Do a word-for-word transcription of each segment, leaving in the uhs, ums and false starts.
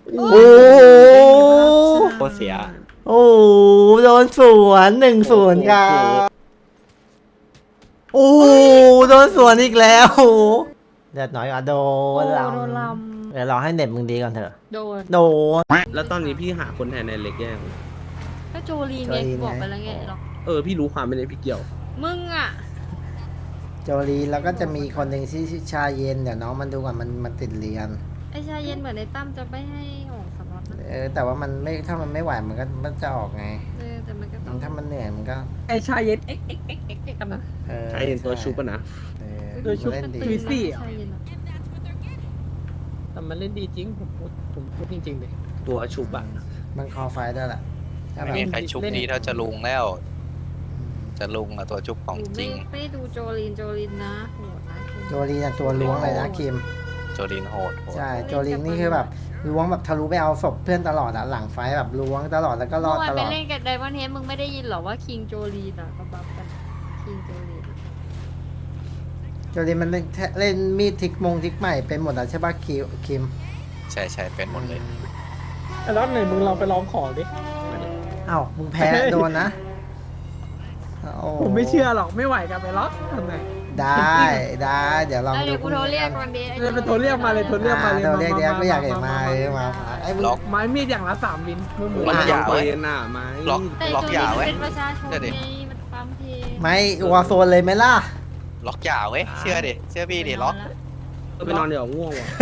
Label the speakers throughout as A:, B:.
A: โอ้โห
B: โคตรเสีย
A: โอ้โหโดนสวนหนึ่งศูนย์ครับโอ้โหโดนสวนอีกแล้วโอ้โหเดือดหน่อยอ่ะโด
C: โอ้
A: น
C: โด
A: เรา
C: นล
A: เดี๋ยวรอให้เน็ตมึงดีก่อนเถอะ
C: ำโดน
A: โดน
B: แล้วตอนนี้พี่หาคนแทนในเล็กยัง
C: ก็โจลีนไง
A: โจลีน
C: บอกไป
A: ไง
C: แล้วไงหรอก
B: เออพี่รู้ความไม่ได้พี่เกี่ยว
C: มึงอ่ะ
A: โจลีแล้วก็จะมีคนหนึ่งที่ชื่อชาเย็นเดี๋ยวน้องมันดูก่อนมันมันติดเรียน
C: ไอชาเย็นเหมือนในตั้มจะไม่ให้ออกสล็อตนะ
A: เออแต่ว่ามันไม่ถ้ามันไม่ไหวมันก็มันจะออกไง
C: เออแต่มันก็ต้อง
A: ถ้ามันเหนื่อยมันก็
D: ไอชายเย็นเอ็กเอ็กเอ็กเอ็กเอ็กกันนะ
A: เออ
B: ใช่เห็นตัวชุบอะนะ
A: เออ
D: ตัวชุบ
A: เล่นดี
D: คริสซี่เหรอ
C: ชาเย็นอะ
D: แต่มันเล่นดีจริงผมพูดผมพูดจริงๆเลย
B: ตัวชุบอะ
A: มันคอไฟด้วยแหละถ้าแบ
E: ไม่
A: บ
E: มีใครชุบดีเท่าจะลุงแล้ว จะลุงอะตัวชุบของ
C: กู
E: จริ
C: ไม่
E: ง
C: ไม่ดูโจลีนโจลีนนะโหดนะ
A: โจลีน่ะตัวล้วงเลยนะคิม
E: โจลินโหดโหด
A: ใช่โจลีนี่คือแบบล้วงแบบทะลุไปเอาศพเพื่อนตลอดอะหลังไฟแบบล้วงตลอดแล้วก็ร
C: เมื่
A: อ
C: อ
A: ด
C: วาน
A: ต
C: ไป
A: ลอด
C: เล่นกับไดมอนด์เฮดมึงไม่ได้ยินเหรอว่าคิงโจลีนอ่ะก็บัฟกันคิงโจลีน
A: โจลีมันเล่นเล่นมีดทิกมงทิกใหม่เป็นหมดอะใช่ป่ะคิวคิม
E: ใช่ใช่เป็นหมดเลย
D: แล้วไหนมึงลองไปลองของดิ
A: เอ้ามึงแพ้โดนนะโอ้
D: ผมไม่เชื่อหรอกไม่ไหวกันไปล็อกทำไง
A: ได้ได้เดี๋ยวลอง
C: เดี๋ยวกูโทรเรียก
A: กั
C: วัน นนี้
D: เออไปโทรเรียกมาเลยโทรเรียกมาเลย
A: โทรเรียกเดี๋ยวก็อยากเห็นมาเออมาไอ้มึง
E: ล็อก
D: ไม้มีดอย่างละสามวินมือหมู
E: มัน
B: มัน
E: อย่า
B: ไป
E: เว้ย
B: น่ะไหม
E: ล็อก
C: แต่
E: ล็อก
C: โจ
E: ห
C: ลี
E: ย่าน ไว้
C: เป็นประชาชน
E: เดี๋ยวดิ
C: ไงมันปั๊มเพลง
A: ไม่วอร์โซนเลยไหมล่ะ
E: ล็อกหย่าเว้ยเชื่อดิเชื่อพี่ดิล็อก
B: เออไปนอนเดี๋ยวง่วงว่ะ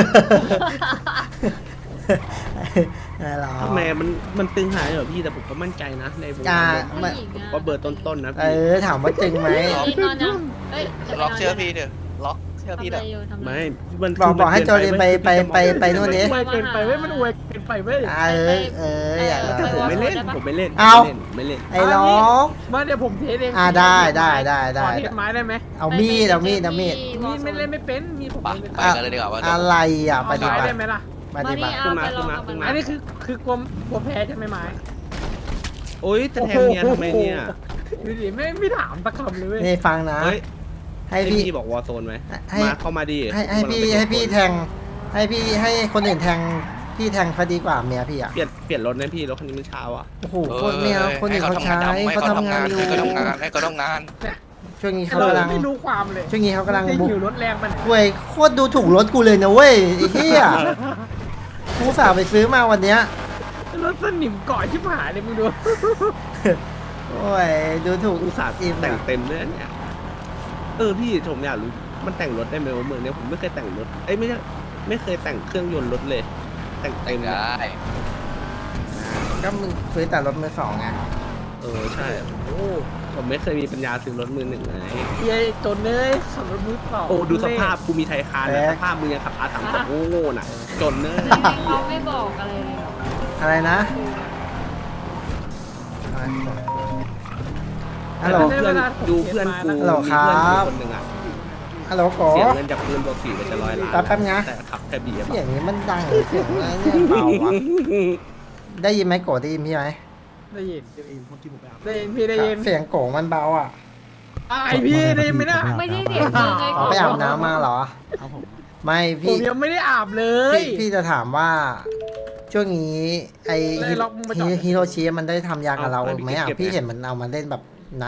A: ไม่หรอก
B: ทำไมมันมันตึงหายเหรอพี่แต่ผมก็มั่นใจนะในวง
A: อ่า
B: การ
C: ผู้หญิง
B: ผม
C: อะ
B: ก็เบอร์ต้นๆนะ
A: เอ
B: พี่
A: อถามว่าจริงไหม
C: เฮ้ยนอนยังเฮ้ยจะไป
E: ล็อก
C: นน
E: เชื่อพี่เถอะล็อกเชื่อ
C: ทำ
E: พี่
C: อะไร
E: เถอะ
C: อยู่ทำอะไร
B: ไม่
C: อยู่
B: มัน
A: บอกบอกให้
B: คื
A: โจลินไปไปไปไปนู่นดิ
D: อวยเกินไปเว้ยมันอวยเกินไปเว้ย
A: เออเอออยาก
B: แต่ผมไม่เล่นผมไม่เล่น
A: เอา
B: ไม่เล่น
A: ไอ้ล้อก
D: มาเดี๋ยวผมเทสเอง
A: อ่าได้ได้ได้ได้
D: ขอเทสไม้ได้ไหม
A: เอามีดเอามีดเอามีด
D: มีดไม่เล่นไม่เป็นมีดผม
E: ไป
D: เล่น
E: ไป
D: ไม่เป็น
E: กันเลยดีกว่าว่า
A: อะไรอ่ะป
D: เอา
A: ฏิ
D: ไม้
A: บัติ
D: ได้ไหมล่ะ
A: ปฏิบัติ
C: เอาไปลองกับมัน
D: อันนี้คือคือกลัวกลัวแพ้ใช่ไหมไม้
B: โอ๊ยจะแทงเมียทำไมเนี่ย
D: ดูดิไม่ไม่ถามสักคำเลยเว้ย
A: นี่ฟังนะ
B: เฮ้ย
A: ให้
B: ให้
A: พี่
B: พี่บอกวอร์โซนไหม
A: ให้
B: มาเข้ามาดิ
A: ให้ให้พี่ให้พี่แทง ให้พี่ให้คนอื่นแทงพี่แทงเขาดีกว่าเมียพี่อ่ะ
B: เปลี่ยนเปลี่ยนรถนะพี่รถคันนี้มันเช้าอ่ะ
A: โอ้โหคนเมียคนอื่นเขาใช้
E: ให้
A: เขา
E: เขา
A: ทำ
E: ทำาน น
A: งางอยู่
E: ให้เขาทำงานให้เขาทำงาน
A: ช่วงนี้
D: ไอ้
A: เขา
D: เรา
A: กำลัง
D: ไม่รู้ความเลย
A: ช่วงนี้เขากำลัง
D: จะ
A: บุก
D: หิวรถแรงไปไหน
A: เว้ยโคตรดูถูกรถกูเลยนะเว้ยไอ้เหี้ยกูสาวไปซื้อมาวันเนี้ย
D: รถสนิมเกาะชิบหายเลยมึงดู
A: โอ้ยดูถูก
B: อุตส่าห์
A: อิ่ม
B: แต่ง
A: อะ
B: เต็มเลยนะเนี่ยเออพี่ผมอยากรู้มันแต่งรถได้ไหมวะเมืองเนี้ยผมไม่เคยแต่งรถเอ้ยไม่ใช่ไม่เคยแต่งเครื่องยนต์รถเลย แต่งเต็มเลย
E: ได้
A: ก็มึงซื้อแต่รถมือสองไง
B: เออใช่โอ้ผมไม่เคยมีปัญญาซื้อรถมือหนึ่งไง
D: เย้จนเลยขับรถมือสอง
B: โอ้ดูสภาพกูมีไทยคานนะสภาพมึงยังขับอาสามสองโง่ๆน่ะ จนเนอะ
C: เขาไม่บอกอะไรเลยหรอ
A: อะไรนะฮัลโหล
B: เพื่อนดูเพื่อนกู
A: ฮัลโหลครับ
B: มีเพื่อนกูคนหนึ่งอ่ะ
A: ฮัลโหลโก
B: เสียเงินจากปืนบวกสี่ไปจะร้อยล้าน
A: แป๊บแป๊บนะ
B: แต่ขับแค่เบียร์
A: เสียงนี้มันดังหรือเสียงอะไรเนี่ยเบาวะได้ยินไหมโกได้ยินพี่ไหม
D: ได้ยินได้ยินพี่ได้ยิน
A: เสียงโกมันเบาอ่ะ
D: ไอพี่ได้ยินไหมนะ
C: ไม่ใช่เสียงมึงไง
A: อ๋อไปอาบน้ำมาเหรอไม่
D: ผม
A: พี่
D: ยังไม่ได้อาบเลย
A: พี่พี่จะถามว่า ช่วงนี้ไอ
D: เลยล็อกมึงมาจอด
A: ฮิโรชิมันได้ทำยากับเราไหมอ่ะพี่เห็นมันเอามาเล่นแบบนะ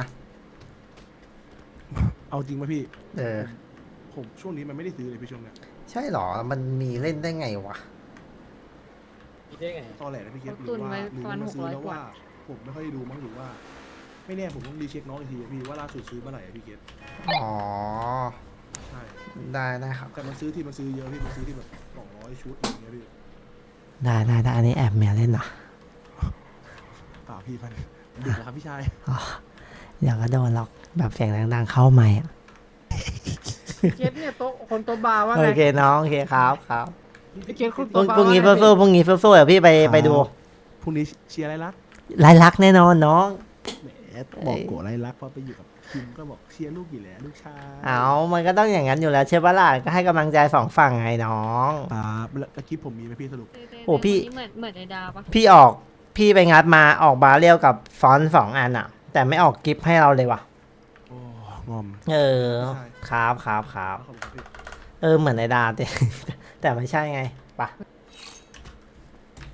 F: เอาจริงป่ะพี่
A: เออ
F: ผมช่วงนี้มันไม่ได้ซื้อเลยพี่ช่วงเนี้ย
A: ใช่เหรอมันมีเล่นได้ไงวะ
D: ได้ไง
F: ตอนแหลนะพี่เกศหรื
C: ตุ
F: อน ว่า
C: ไว้
F: หรือ
C: ประมาณ
F: มา
C: หก
F: ซื้อ
C: ร้อย
F: แล้ว
C: กว่า
F: ว่า ผมไม่ค่อยดูมั้งหรือว่า ไม่แน่ผมต้องรีเช็คน้องอีกทีอะพี่ว่าล่าสุดซื้อเมื่อไหร่อะพี่เกศ
A: อ๋อ
F: ใช่
A: ได้ได้ครับ
F: แต่มันซื้อที่มันซื้อเยอะพี่มันซื้อที่แบบสองร้อยชุดอะไรอย่างเงี้ยพี่
A: ได้ได้ได้อันนี้แอบเมียเล่นเหรอ
F: เปล่าพี่มันดึกแล้วครับพี่ชาย
A: อ๋อเดี๋ยวก็โดนล็อกแบบเสียงดังๆเข้าไม่อ่ะ
D: เกตเนี่ยโต๊ะคนโต๊ะบาร์ว่า
A: โอ
D: ไง
A: เคน้องโอเคครับครับ
D: พี่เกตคน
A: พรุ่
D: โต๊ะ
A: ง
D: บาร์
A: พรุ่งนี้
D: ว่าไ
A: สู้ๆพรุ่งนี้สู้ๆเดี๋ยวพี่ไปไปดู
F: พรุ่งนี้เชียร์อะไรรัก
A: รายลักษณ์แน่นอนน้อง
F: แหมบอกโกรธอะไรรักเพราะไปอยู่กับคิมก็บอกเชียร์ลูกอยู่แล้วลูกชาย
A: เอามันก็ต้องอย่างนั้นอยู่แล้วใช่ปะล่ะก็ให้กำลังใจสองฝั่งไงน้อง
F: ครับแล้วแล้วคลิปผมมีไหมพี่สรุป
A: โอ้พี่
C: เหมือนเหมือนในดาวปะ
A: พี่ออกพี่ไปงัดมาออกบาเรียวกับฟอนต์สองอันอ่ะ แต่ไม่ออกกิฟต์ให้เราเลยว่ะ
F: โอ้งอม
A: เออ
F: ใช่
A: ครับครับครับ
F: ขอบคุณครับพี่
A: เออเหมือนในดาแต่ แต่ไม่ใช่ไงปะ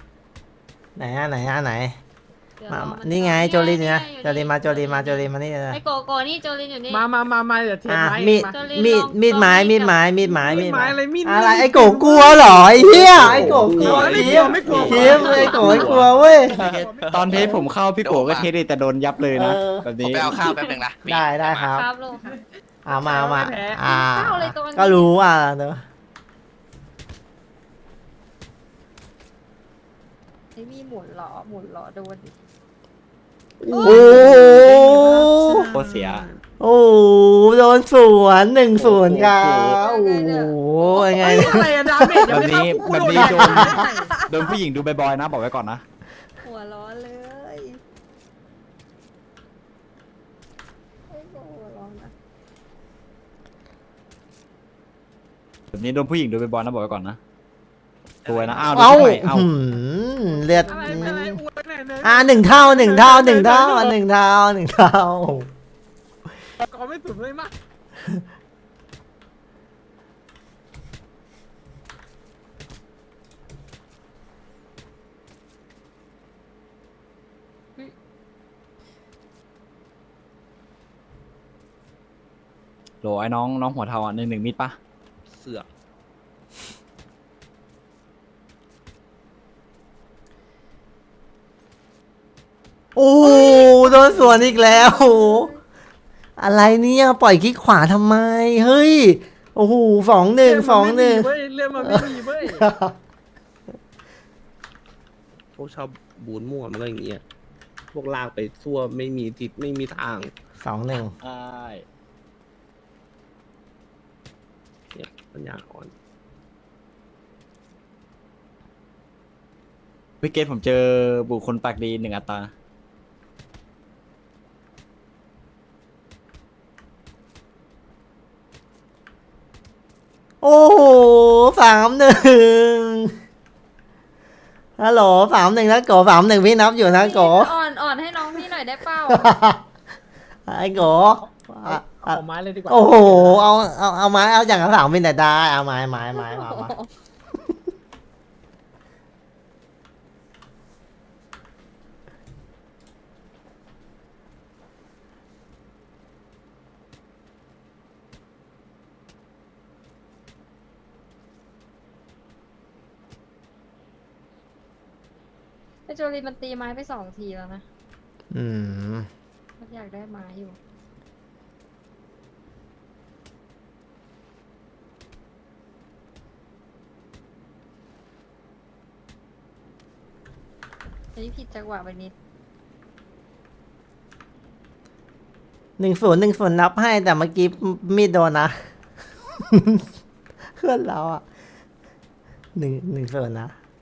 A: ไหนอะไหนอะไหน
C: เดี๋ยว
A: มาร
C: อ
A: มา
C: มัน
A: นี่ไง
C: ก่อ
A: โจลินเนี่ย
C: อยู่
A: โจลินมาโจลินมาโจลินมานี่เลย
C: ไอ้โกโกนี่โจลินอยู่นี่
D: มามามามาเดี๋ยวเทส
A: อ่ะ
D: ไม้
A: มีด
D: มา
C: โจลิน
A: มีด
C: ลอง
A: มีดไม้
C: ลอง
A: มีดไม้
C: กับ
A: มีดไม้
D: มีดไม้อะไรมีด
A: อะไร
D: มีด
A: ไอ้โกกลัวเหรอไอ้เหี้ยไอ้โกกลัว
D: ไม่
A: คิ
D: กลัว
A: ม
D: ไม่กลัว
A: คิมไอ้โกไม่กลัวเว้ย
G: ตอนเทสผมเข้าพี่โกก็เทสดิแต่โดนยับเลยนะ
A: เออ
G: แบบ
E: ผม
G: นี้
E: ไปเอาข้าวแป๊บนึงนะ
A: ได้ได้ครับ
C: ครับลูกครับ
A: เอามาเอามาอ่า
C: ข้าวเลยตัวนี้
A: ก็รู้อ่ะเนอะ
C: ไอ้มีหมุนเหรอหมุนเหรอโดนดิ
A: โอ้โห
G: โคตรเสีย
A: โอ้โหโดนสวนหนึ่งศูนย์ครับโอ้โหยังไง
D: ไอ้อะไรอะดาเมจยังไม่เข้า
G: แบบนี้
D: กู
G: แบบนี้
D: โดน
G: โดนผู้หญิงดูบ่อยๆนะบอกไว้ก่อนนะ
C: หัวร้อนเลยไอ้โกหัวร้อนนะ
G: แบบนี้โดนผู้หญิงดูบ่อยๆนะบอกไว้ก่อนนะตัวนะอ้าว
A: เอ้า
G: ดูใหม่เอ้า
A: หืมเลือด
D: อะไรอะไรอวยหน่อยหน่อย
A: อ่าหนึ่งเท่าหนึ่งเท่าหนึ่งเท่าหนึ่งเท่าหนึ่งเท่า
D: ก็ไม่สุดเลยมาก
G: โหลไอ้น้องน้องหัวเทาอ่ะหนึ่งหนึ่งมิดปะ
B: เสือก
A: โอ้โหโดนสวนอีกแล้วโอ้โหอะไรเนี่ยปล่อยคลิกขวาทำไมเฮ้ยโอ้โหสองหนึ่งสองหนึ่ง
D: เว้ยเรื่องมันไม่มีเว้ย
B: พวกชอบบูนมั่วมันก็อย่างเงี้ยพวกลากไปทั่วไม่มีทิศไม่มีทาง
A: สองหนึ่ง
G: ใช่
B: เนี่ยปัญญาอ่อน
G: วิกเกตผมเจอบุคคลปากดีหนึ่งอัตรา
A: โอ้โหสามหนึ่งฮัลโหลสามหนึ่งนะโกสามหนึ่งพี่นับอยู่นะโก
C: อ่อนอ่อนให้น้องพี่หน่อยได้เปล่า
A: ไอ้โกอ่ะ
D: เอาไม้เลยดีกว่า
A: โอ้โหเอาเอาเอาไม้เอาอย่างละสามเป็นแต่ได้เอาไม้ไม้ไม้มามา
C: ไอ้โจลีมันตีไม้ไปสองทีแล้วนะ
A: อืม
C: มันอยากได้ไม้อยู่อันนี้ผิดจังหวะไปนิด
A: หนึ่งศูนย์หนึ่งศูนย์นับให้แต่เมื่อกี้มีดโดนนะ เพื่อนเราอ่ะหนึ่งหนึ่งศูนย์นะ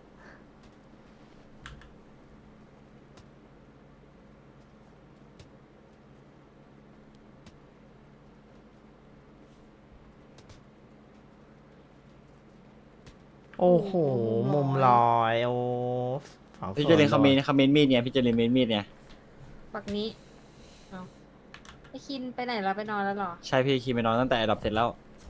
A: โอ้โห มุมลอยโอ้สอง
G: พี่
A: ศู
G: เจริญ
A: ย์
G: คอมเมนต์คอมเมนต์มีดเนี่ยพี่เจริญเมนต์มีดเนี่ย
C: ปักนี้เอาไอ้คินไปไหนแล้วไปนอนแล้วเหรอ
G: ใช่พี่คีไปนอนตั้งแต่ดับเสร็จแล้ว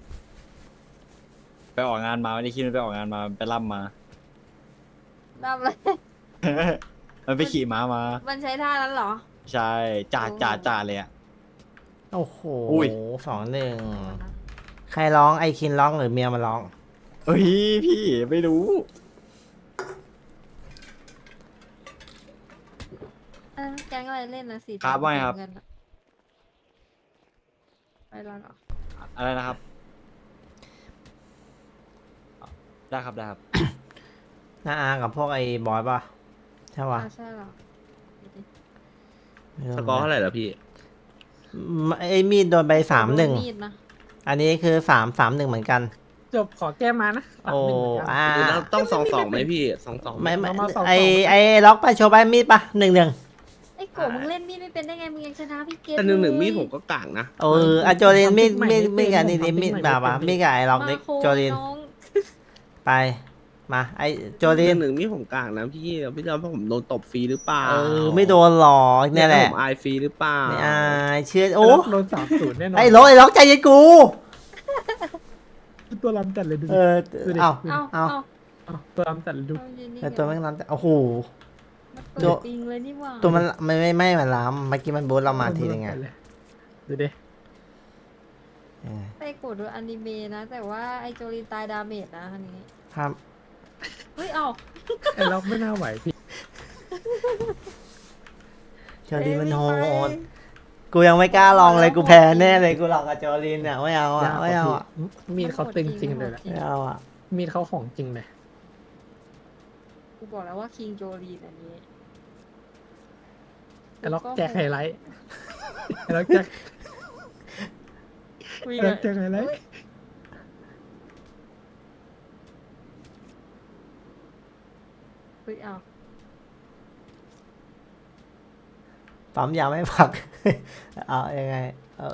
G: ไปออกงานมาวันนี้คีมันไปออกงานมาไปล่ำมา
C: รับเลย
G: มันไปขี่ม้ามา
C: มันใช้ท่านั้นเหรอ
G: ใช่จ่าจ่าจ่าเลยอ่ะ
A: โอ้โห
G: อุ้ย
A: สองหนึ่งใครร้องไอคินร้องหรือเมียมันร้อง
G: เฮ้ยพี่ไม่รู้
C: เออแก๊งอะไรเล่นนะสี
G: ครับว่าไงครับ
C: เงินอะไปแล้วเหรอ
G: อะไรนะครับได้ครับได้ครับ
A: น้าอากับพวกไอ้บอยป่ะ ใช่ป่ะ
C: อ้าวใช่เหรอดูดิ
A: ไม่รู้
B: สกอร์เท่าไหร่แล้วพี่
A: ไอ้มีดโดนไปสามหนึ่ง
C: มีดนะ
A: อันนี้คือสามสามหนึ่งเหมือนกัน
D: จบขอแก้มานะ
A: โอ้
D: หนึ่งเหมือนกัน
A: อ่า
B: แล้วต้องสองสองไหมพี่สองสอง
A: ไม่ไม่
D: มาสอง
A: ไอ
D: สอง
A: ไอล็อกไปโชว์ไปมีดป่ะหนึ่งหนึ่ง
C: ไอ้โกมึงเล่นมีดไม่เป็นได้ไงมึงยังชนะพี่เกต
B: แต่หนึ่งหนึ่ง
C: เลย
B: มีดผมก็กลางนะ
A: เอออะโจลินมีดมีดมีดกับนี่นี่มีดแบบว่ามีดกับไอ้ล็อกเล็ก
C: มาโค
A: โจลิน
C: น้อง
A: ไป มาไอโจ
B: ห
A: ลิน
B: นึ่งหนึ่งมีดผมกลางนะพี่พี่จะว่าผมโดนตบฟรีหรือเปล่า
A: เออไม่โดนหรอกเนี่ยแหละ
B: ผมอายฟรีหรือเปล่า
A: ไม่อายเชื่อโอ้
D: โดนสามศูนย์แน่นอน
A: ไอ้ล็อกไอ้ล็อกใจเย็นกู
D: ตัวลำจัดเลยดู
A: เออ
D: ดูดิ
A: เอา
C: เอา
A: เอา
C: เอา
D: เอาตัวลำจัดเลยดู
C: เอายืนนี่
A: ไอ้ตัวแม่งนั้นโอ้โห
C: มันเปิ
A: ตัว
C: ดปิงเลยนี่หว่า
A: ตัวมันไม่ไม่ไม่มันล้ำเมื่อกี้มันบูทเรามาทีนึงไง
D: ดูดิ
A: เออ
C: ไปกดดูอนิเมะนะ แต่ว่าไอโจลินตายดาเมจนะอันนี้
A: ครับ
C: เฮ้ยเอา
D: ไอ้ล็อกไม่น่าไหวพี่
A: โจลินมันโหดกูยังไม่กล้าลองเลยกูแพ้แน่เลยกูหลอกกับโจลินเนี่ยไม่เอาอ่ะไม่เอาอ่ะ
D: มีดเขาตึงจริงเลยแหละ
A: ไม่เอาอ่ะ
D: มีดเขาของจริงเลย
C: กูบอกแล้วว่าคิงโจลินอันนี้
D: ไอ้ล็อกแจ็คไฮไลท์ไอ้ล็อกแจ็ค
C: คุย
D: ไอ้
C: กั
D: ล็อน กแจ็คไฮไลท์
C: เฮ้ยเอา
A: ปั๊มยาไม่พัก เอายังไงเอา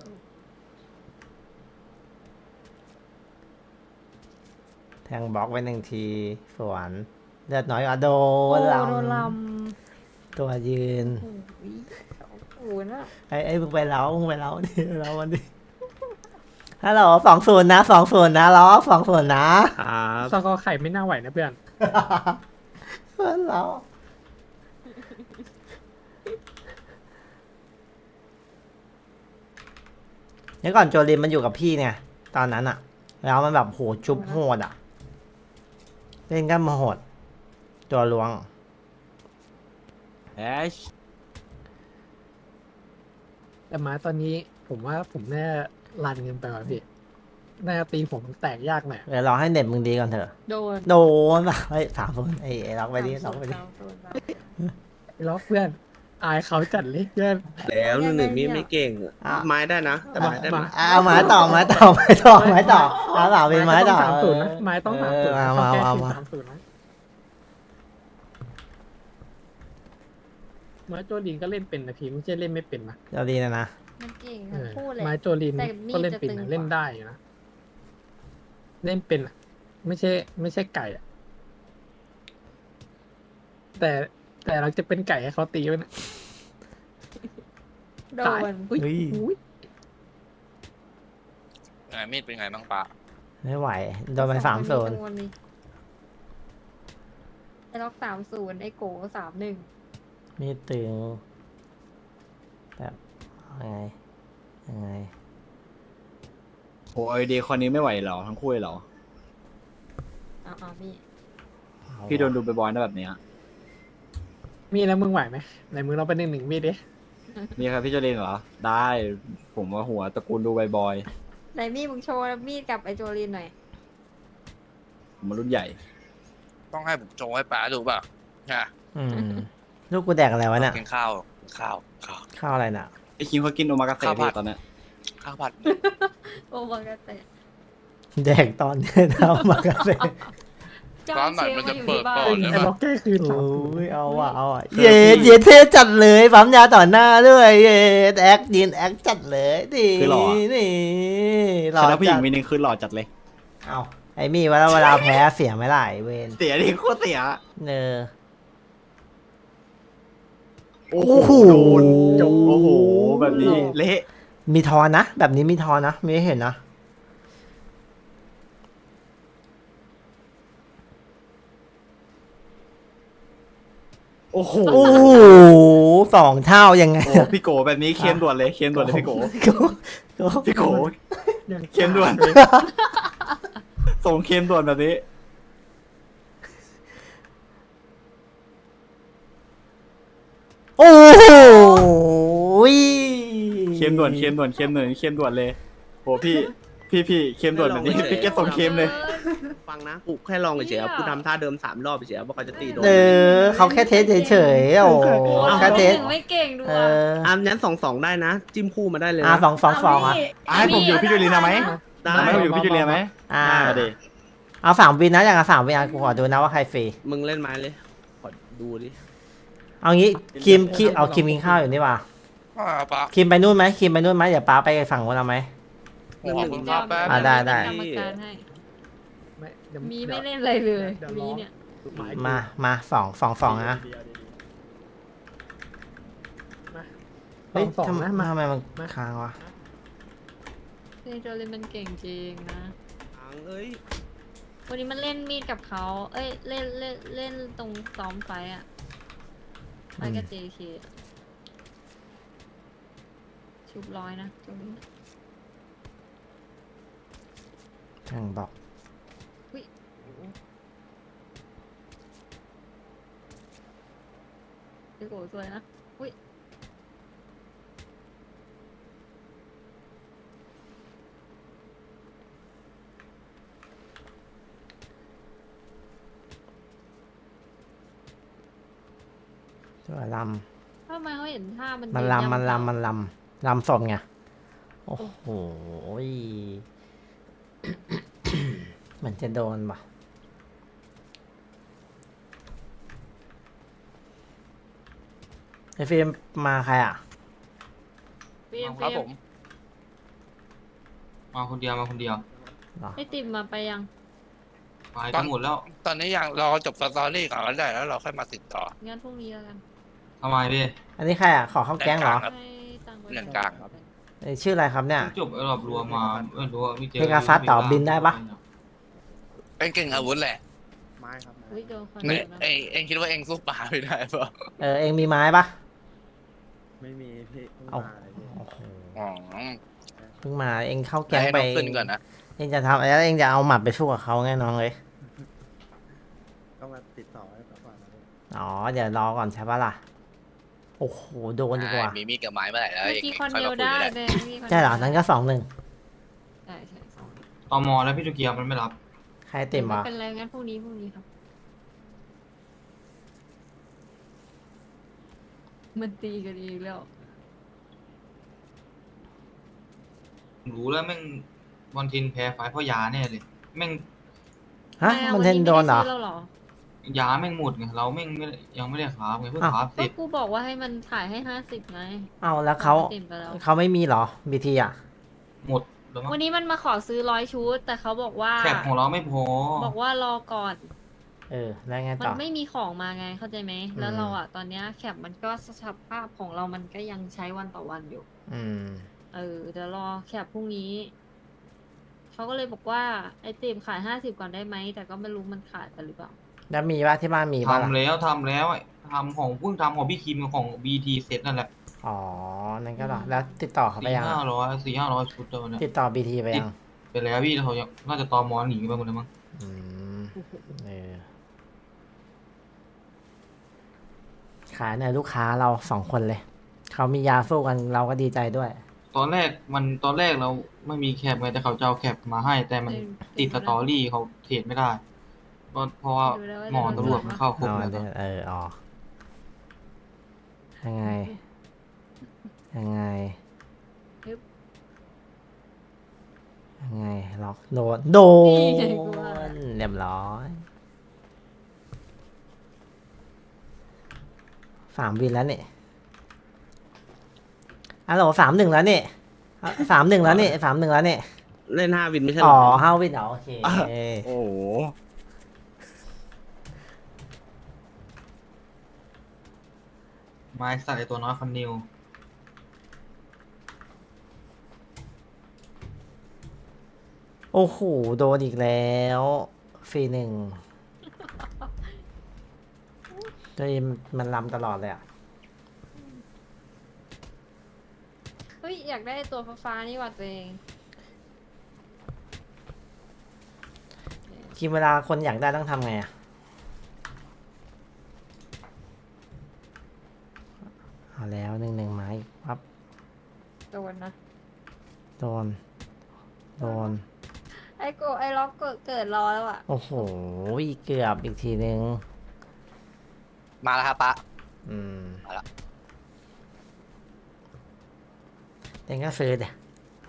A: แทงบล็อกไว้หนึ่งทีสวนเลือดน้อยกว่าโด
C: โอ้
A: นล
C: โดนล
A: ำตัวยืน
C: ำโอ้ยสองศูนย์อะ
A: ไอ้ไอ้มึงไปเล้ามึงไปเล้าดิเล้ามันดิฮัลโหลสองศูนย์นะสองศูนย์นะล้อสองศูนย์นะครับ
D: สกอร์ไข่ไม่น่าไหวนะเพื่อน
A: เพื่อนเราเดี๋ยวก่อนโจลินมันอยู่กับพี่เนี่ยตอนนั้นอะแล้วมันแบบโหจุบโหดอะเล่นกันมาโหด ตัวล้วง
G: แอช
D: แต่มาตอนนี้ผมว่าผมแน่ารันเงินไปว่ะพี่น่าจะตีผมแตกยากหน่อย
A: เดี๋ยวรอให้เน็ตมึงดีก่อนเถอะ
C: โดน
A: โดนป่ะเฮ้ยสามคนไอ้ไอ้ล็อกไปดิล็อกไปดิ
C: สามศูนย์สาม
D: ไอ้ล็อกเพื่อน อายเขาจัดเลยเพื่อน
B: แล้วหนึ่งหนึ่งมีดไม่เก่งอะ
A: อ่ะ
B: ไม้ได้นะแต่ไม้ได้ไหม
A: อ่ะเอาไม้ต่อไม้ต่อไม้ต่อไม้ต่อเอาเปล่าเป็นไม้ต่อ
D: สามศูนย์นะไม้ต้องสามศูนย์
A: เออ
D: ต้องแก้
A: เอา
D: คืน
A: มา
D: สามศูนย์นะไม้โจลินก็เล่นเป็นนะพี่ไม่ใช่เล่นไม่เป็นนะ
A: เดี๋ยวดีนะนะ
C: มันเก่ง
D: เอ
C: ทั้ง
D: อ
C: คู่เลย
D: ไม้โจลิน
C: แต่มีด
D: ก็เล่นเป็น
C: จะตึง
D: นะ
C: กว่า
D: เล่นได้อยู่นะเล่นเป็นอะไม่ใช่ ไม่ใช่ไก่อะแต่แต่เราจะเป็นไก่ให้เขาตีไว้นะ
C: โด
D: ตาย
C: น
D: อุ้ย
A: เฮ้ย
D: อุ้ย
E: ไงมีดเป็นไงบ้างปะ
A: ไม่ไหวโดนไปสามศูนย์
C: โดนี่ไอ้ล็อกสามศูนย์ไอ้โกสามหนึ่ง
A: มีตึงแบบยังไงยังไง
G: โหไอเดียคนนี้ไม่ไหวเหรอทั้งคู่เลยเหรอ
C: เอาเอาพี่
A: เอา
G: พี่โดนดูบ่อยๆนะแบบเนี้ย
D: มีแล้วมึงไหวไหมไหนมึงเราไปหนึ่งหนึ่งมีดดิ
G: นี่ครับพี่โจเลนเหรอ ได้ ผมว่าหัวตระกูลดูบ่อย
C: ไหนมีดมึงโชว์มีดกับไอ้โจลินหน่อย
G: ๆผมมารุ่นใหญ่
E: ต้องให้ผมโจงให้ป้าดูป่ะฮะ
A: อืมลูกกูแดกอะไรวะเนี่ย
E: กินข้าวกินข้าวข้าว
A: ข้าวอะไรน่ะ
G: ไอคิมเขากินโอมากาเสะ
E: ข้าวผั
G: พี่
E: ด
G: ตอนเนี้ย
E: ข้าวผัด
C: โอ้บังกะเตะ
A: แดกตอนเนี่ยทำมากระเซ็น
C: จ้างเชฟมาอยู่ที่บ้าน
E: ก่อนเลย
D: ไอ้ล็อกแก้คืนสาม
A: โอ้
D: ศูนย์
A: ยเอาอ่ะเอาอ่ะเย็ดเย็ดเท่จัดเลยปั๊มยาต่อหน้าด้วยเย็ดแอคยินแอคจัดเลยดินี่หล่
G: ช
A: อ
G: นะผู้หญิ
A: จั
G: ง
A: ด
G: มีหนึ่งคือหล่อจัดเลย
A: เอาไอ้มี่เวลาเวลาแพ้เสียไม่ได้เวน
G: เสียดิโคตรเสีย
A: เนอ
G: โอ้
A: โอ้โห
G: โหโดนจบโอ้โห แบบนี้เละ
A: มีทอนนะ แบบนี้มีทอนนะไม่เห็นนะ
G: โอ้โห
A: โอ้โหสองเท่ายังไง
G: โอ้พี่โกแบบนี้เค็มด่วนเลยเค็มด่วนเลยพี่โก
A: โก้โก้
G: พี่โก
D: ยัง
G: เค็มด่วน ส่งเค็มด่วนแบบนี้
A: โอ้โห
G: เค็มด่วนเค็มด่วนเค็มด่วนเค็มด่วนเลยโหพี่พี่พี่เค็มด่วนแบบนี้พี่แกส่งเค็มเลย
B: ฟังนะกูแค่ลองเฉยๆกูทำท่าเดิมสามรอบเฉยๆว่าเขาจะตีโดน
A: เออเขาแค่เทสเฉยๆโอ้โห
C: โอ้
A: แค่เทส
C: หนึ่งไม่เก่งดู
A: เอ
C: อ่ะ
A: อ
B: อ่ะงั้นสองสองได้นะ จิ้มคู่มาได้เลย
A: อ่ะ
B: นะ
A: สองสองสองอ่ะ
G: อ่ะให้ผมอยู่พี่จูเลียนะไหม
B: ได้
G: ให้ผมอยู่พี่จูเลียไหม
A: อ่า
G: มาดิ
A: เอาสามวินนะอย่างละสามวินอ่ะกูขอดูนะว่าใครฟรี
B: มึงเล่นไม้เลยขอดูดิ
A: เอางี้คิมคิมเอาคิมกินข้าวอยู่นี่ว่ะ
E: ป้าป้า
A: คิมไปนู่นไหมคิมไปนู่นไหมเดี๋ยวป้าไปฝั่งนู้นเอาไหม
E: ขอบคุณครับแป๊บ
A: อ่ะได้ได้
C: กรรมการให้
D: ไม่เดี๋ยว
C: มีไม่เล่นอะไรเลย
D: ดี๋ว
C: มี
D: ร้อง
C: เนี่ย
D: หย
A: มามาสองสองสองนะ
D: มา
A: เฮ้ย
D: สองสอง
A: ทำ
D: นะมา
A: ทำไมมัน
D: มา
A: ค้างวะ
C: เล่นโจลินมันเก่งจริงนะ
B: อังเอ้ย
C: วันนี้มันเล่นมีดกับเขา เอ้ย เล่นเล่นเล่นตรงซ้อมไฟอ่ะไปกับ เจ เค ชุบร้อยนะตรงนี้
A: ช่างบอก
C: พี่โกสวยนะอุ้ย
A: ตัวล
C: ทำไมเขาเห็นท่ามัน
A: ำมัน
C: ยื
A: ลำมัน
C: ยำ
A: ลำมันลำลำสดไงโอ้โหย เหมือนจะโดนป่ะไอฟิล์มมาใครอ่ะ
C: ฟิล์ม
H: ครับ
C: ฟิล์
H: ผม มมาคนเดียวมาคนเดียว
A: เหรอ
C: ไอติมมาไปยัง
H: ไปกันหมดแล้ว
E: ตอนนี้ยังรอจบสตอรี่ก่อนก็ได้แล้วเราค่อยมาติดต่อ
C: งั้นพรุ่งนี้แล้วกัน
H: ทำไมพี่
A: อันนี้ใครอ่ะ ขอเข้าแก๊งเหรอ
E: ครับ
C: ให้ตังค์ไว้
E: เรื่องกลางครับ
A: เอ้ยชื่ออะไรครับเนี่ย
H: จบไอ้รอบรวมมาไม่รู้ว่าพี่เจอ
A: เพกาซัสต่อบินได้ปะ
E: เป็นเก่งอาวุธแหละ
F: ไม้ครับไม้
C: อุ้ยโดนคน
E: เอ้ย
C: เดียวนะ
E: เองเองคิดว่าเองสู้ป่าไม่ได้ปะ
A: เออ เองมีไม้ปะ
F: ไม่มีพี่เพิ่ง
A: เอา
F: มาเลยพี่
A: โอ้โห
E: อ๋อ
A: เพิ่งมาเองเข้าแก๊ง
E: ให้
A: ไป
E: น้องขึ้นก่อนนะ
A: เองจะทำแล้วเองจะเอาหมัดไปสู้กับเขาไงน้องเลย
F: ต้องมาติดต่อให้ก่อนนะพี่
A: อ๋อ เดี๋ยวรอก่อนใช่ปะล่ะ โอ้โห โดนดีกว่า
E: มีมีดกับไม้เมื่อไหร่แล้ว
C: เมื่อ
E: เอง
C: กี้
E: ค่
C: ค
E: อย
C: น
E: มา
C: เดียว
E: คุย
C: ได้
E: ก็ได้
C: เลยมีค
A: ใช่เหรอ
C: ดียว
A: นั้นก็สองหนึ่ง
C: ใช่ใช่สอง
H: ตมแล้วพี่ตุเกียวมันไม่รับ
A: ใครเต็ม
C: ไม่
A: วะ
C: เป็นไรงั้นพรุ่งนี้พรุ่งนี้ครับ มันตีกันอีกแล้ว
H: รู้แล้วแม่งวันทินแพ้ไฟเพราะยาแน่เลยแม่ง
A: ฮะ
C: ไม่อะ
A: มันเทนโดนเหรอ
C: วัไม่ไซื้แล้วเหรอย
H: าแม่งหมดไงเราแม่งไม่ได้ยังไม่ได้คราฟไงเพิ่ง
A: อ้าว
H: คราฟเส
C: ก็
H: ร็จ
C: กูบอกว่าให้มันถ่ายให้ห้าสิบไง
A: เอาแล้วเขา
C: ติมไปแล้ว
A: เขาไม่มีเหรอบีทีอ่ะ
H: หมดแล้วมั้ง
C: วันนี้มันมาขอซื้อร้อยชุด แต่เขาบอกว่า
H: แคปของเราไม่พอ
C: บอกว่ารอก่อน
A: เออ แล้วไง
C: มั
A: ต่
C: น
A: อ
C: ไม่มีของมาไงเข้าใจไหม แล้ว
A: อืม
C: เราอ่ะตอนเนี้ยแคปมันก็สภาพของเรามันก็ยังใช้วันต่อวันอยู่
A: อืม
C: เออเดี๋ยวรอแคปพรุ่งนี้ เขาก็เลยบอกว่าไอติมขายห้าสิบก่อนได้ไหม แต่ก็ไม่รู้มันขายกันหรือเปล่า
A: แล้วมีปะที่บ้านมีปะล่ะ
H: ทำแล้วทำแล้วทำของเพิ่งทำของพี่คิมกับของบีทีเสร็จนั่นแหละ
A: อ๋อ นั่นก็เหรอ แล้วติดต่อเขาไป
H: สี่
A: ยัง
H: ห้าร้อยสี่ห้าร้อยชุดเดียวเนี่ย
A: ติดต่อบีทีไปยัง
H: ไปแล้วพี่เขายังน่าจะตอมอหนีไปหมดแล้วมั้ง
A: อืม เออ ขายในอยลูกค้าเราสองคนเลย เขามียาสู้กันเราก็ดีใจด้วย
H: ตอนแรกมันตอนแรกเราไม่มีแคปไงแต่เขาจะเอาแคปมาให้ แต่มัน
C: เออ
H: ติดสตอรี่เขาเทรดไม่ได้ก็เพราะว่า
C: ดูแล้วว่า
H: หมอตำรวจมันเข้าคุก
A: เอา
H: แล้ว
A: เดี๋ยวเอออ๋อยังไง ยังไง
C: ฮึบ
A: ยังไง ล็อก โดน โด
C: นี่ไงกูว่า
A: น เรียบร้อย สามวินแล้วเนี่ยอ่ะโหลสามหนึ่งแล้วเนี่ยสามหนึ่งแล้วเนี่ยสามหนึ่งแล้วเนี่ย
B: เล่นห้าวินไม่ใช่เหร
A: อ๋อ
B: อ
A: ห้าวินเหรอโอเค
B: โอ้โห
H: ไม้ใส่ตัวน้อยคอนนิว
A: โอ้โห โดนอีกแล้วฟรีหนึ่งตัวเองมันลำตลอดเลยอ่ะ
C: เฮ้ยอยากได้ตัวฟ้าๆนี่ว่ะตัวเอง
A: ทีเวลาคนอยากได้ต้องทำไงอ่ะ เอาแล้วหนึ่งหนึ่งไม้ปั๊บ
C: โดนนะ
A: โดน โดน
C: ไอโกไอล็อกเกิดเกิดรอแล้วอ่ะ
A: โอ้โห เกือบอีกทีนึง
E: มาแล้วครับปะ
A: อืม
E: มาละ
A: เองก็ซื้อเดี๋ย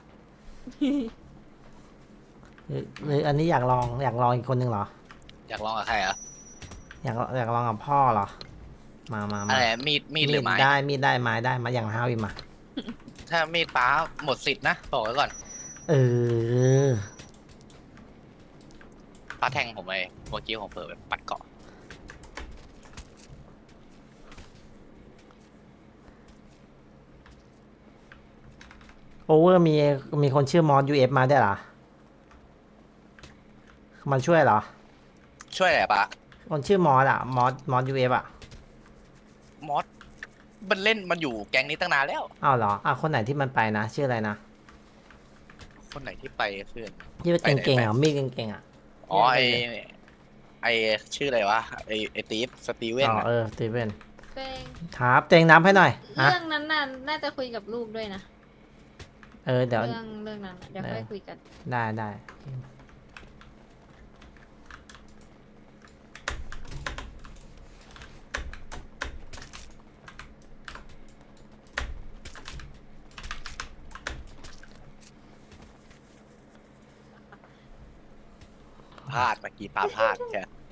A: หรือหรืออันนี้อยากลองอยากลองอีกคนหนึ่งเหรอ
E: อยากลองกับใครเหรอ่ะ
A: อยากอยากลองกับพ่อเหรอ มามามา
E: อะไรมีดมีดหรือไม้
A: ได้มีดได้ไม้ได้มาอย่างห้าวิมา
E: ถ้ามีดป้าหมดสิทธิ์นะบอกไว้ก่อน
A: เออ
E: ป้าแทงผมไปเมื่อกี้ผมเปิดไปปัดเกาะ
A: โอเวอร์มีมีคนชื่อมอสยูเอฟมาได้วยเหรอ มาช่วยเหรอ
E: ช่วยอะไรป้า
A: คนชื่อมอสอะมอสมอสยูเอฟอะ
E: มมอสมันเล่นมันอยู่แก๊งนี้ตั้งนานแล้ว
A: อ้าวเหรออ่ะคนไหนที่มันไปนะชื่ออะไรนะ
E: คนไหนที่ไปเพื่อน
A: ที่ว่าเก่งๆอ่ะมีดเก่งๆอ่ะ
E: อ๋อไอไอชื่ออะไรวะไอไอตีฟสตีเวน
A: อ๋อ
E: อะ
A: เออสตีเวน
C: เป้ง
A: ครับเตงน้ำให้หน่อยอ่ะ
C: เรื่องนั้นน่ะน่าจะคุยกับลูกด้วยนะ
A: เออเดี๋ยว
C: เรื่องเรื่องนั้นน่ะเดี๋ยวค่อยคุยกัน
A: ได้ได้
E: พลาดเมื่อกี้ปาพลาดแค่